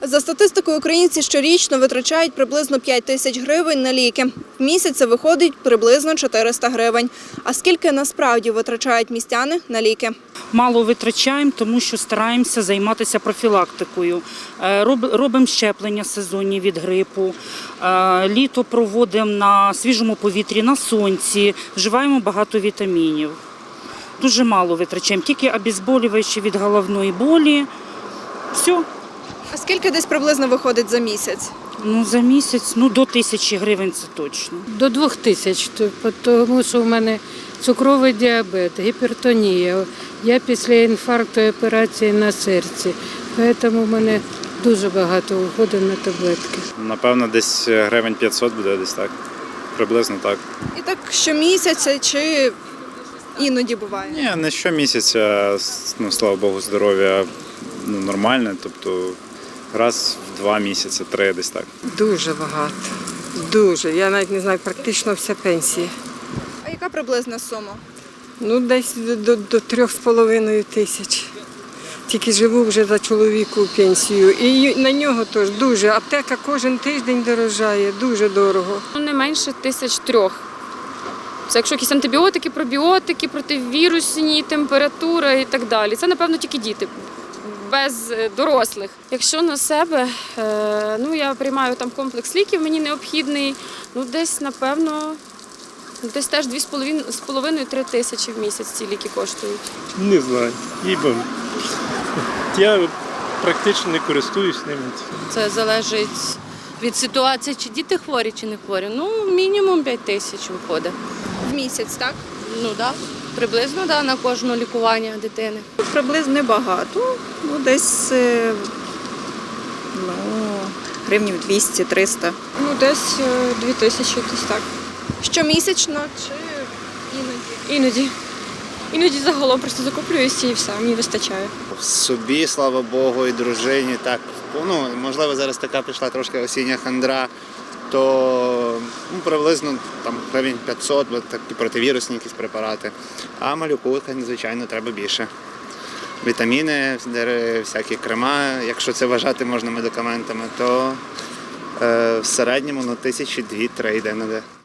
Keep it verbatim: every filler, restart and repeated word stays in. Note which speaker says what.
Speaker 1: За статистикою, українці щорічно витрачають приблизно п'ять тисяч гривень на ліки. В місяць це виходить приблизно чотириста гривень. А скільки насправді витрачають містяни на ліки?
Speaker 2: Мало витрачаємо, тому що стараємося займатися профілактикою. Е, роб- Робимо щеплення сезонні від грипу, е, літо проводимо на свіжому повітрі, на сонці, вживаємо багато вітамінів. Дуже мало витрачаємо, тільки обезболюючі від головної болі. Все.
Speaker 1: А скільки десь приблизно виходить за місяць?
Speaker 2: Ну, за місяць, ну, до тисячі гривень це точно.
Speaker 3: До двох тисяч, тому що в мене цукровий діабет, гіпертонія. Я після інфаркту і операції на серці, тому в мене дуже багато виходить на таблетки.
Speaker 4: Напевно, десь гривень п'ятсот буде, десь так. Приблизно так.
Speaker 1: І так щомісяця чи іноді буває?
Speaker 4: Ні, не щомісяця, ну, слава Богу, здоров'я ну, нормальне, тобто раз в два місяці, три десь так.
Speaker 5: Дуже багато. Дуже. Я навіть не знаю, практично вся пенсія.
Speaker 1: А яка приблизна сума?
Speaker 5: Ну, десь до, до, до трьох з половиною тисяч. Тільки живу вже за чоловіку пенсію. І на нього теж дуже. Аптека кожен тиждень дорожає, дуже дорого.
Speaker 6: Ну, не менше тисяч трьох. Це якщо якісь антибіотики, пробіотики, противірусні, температура і так далі. Це, напевно, тільки діти, без дорослих. Якщо на себе, ну, я приймаю там комплекс ліків, мені необхідний, ну, десь, напевно, десь теж дві з половиною-три тисячі в місяць ці ліки коштують.
Speaker 7: Не знаю, їбом. Я практично не користуюсь ними.
Speaker 8: Це залежить від ситуації, чи діти хворі, чи не хворі. Ну, мінімум п'ять тисяч виходить.
Speaker 1: В місяць, так?
Speaker 8: Ну так, да. Приблизно да, на кожне лікування дитини.
Speaker 9: Приблизно небагато, ну десь е, ну, гривнів двісті-триста.
Speaker 10: Ну, десь дві тисячі, десь так.
Speaker 1: Щомісячно чи іноді?
Speaker 10: Іноді. Іноді загалом просто закуплююся і все, мені вистачає.
Speaker 11: Собі, слава Богу, і дружині. Так, ну, можливо, зараз така пішла трошки осіння хандра, то ну, приблизно там гривень п'ятсот, бо такі противірусні якісь препарати. А малюку, звичайно, треба більше. Вітаміни, всякі крема, якщо це вважати можна медикаментами, то е, в середньому ну, тисячі дві-три йде на де.